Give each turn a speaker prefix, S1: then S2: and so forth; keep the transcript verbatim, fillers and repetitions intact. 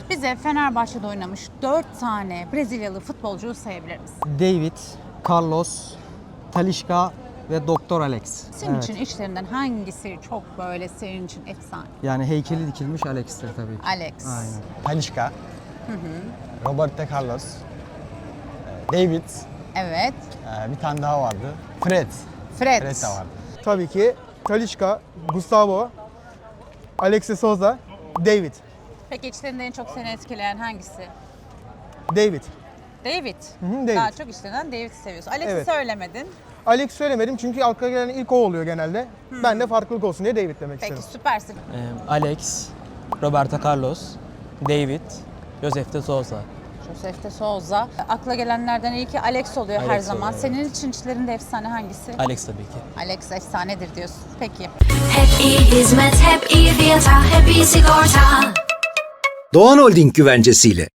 S1: Bize Fenerbahçe'de oynamış dört tane Brezilyalı futbolcuyu sayabilir misin?
S2: David, Carlos, Talisca ve Doktor Alex.
S1: Senin
S2: Evet.
S1: için içlerinden hangisi çok böyle senin için efsane?
S2: Yani heykeli dikilmiş Alex'tir tabii ki.
S1: Alex.
S2: Aynen.
S3: Talisca, Roberto Carlos, e, David,
S1: Evet.
S3: e, bir tane daha vardı. Fred.
S1: Fred.
S3: Fred de vardı.
S4: Tabii ki Talisca, Gustavo, Alexis Souza, David.
S1: Peki içlerinden en çok seni etkileyen hangisi?
S4: David.
S1: David.
S4: hı, David.
S1: Daha çok içlerinden David'i seviyorsun. Alex'i
S4: Evet.
S1: söylemedin.
S4: Alex söylemedim çünkü akla gelen ilk o oluyor genelde. Ben de farklılık olsun diye David demek
S1: Peki
S4: istedim.
S1: süpersin.
S5: Ee, Alex, Roberto Carlos, David, Josef de Souza.
S1: Josef de Souza. Akla gelenlerden ilki Alex oluyor her
S5: Alex
S1: zaman.
S5: oluyor,
S1: Senin için içlerinde efsane hangisi?
S5: Alex tabii ki.
S1: Alex efsanedir diyorsun. Peki.
S6: Hep iyi hizmet, hep iyi fiyata, hep iyi sigorta.
S7: Doğan Holding güvencesiyle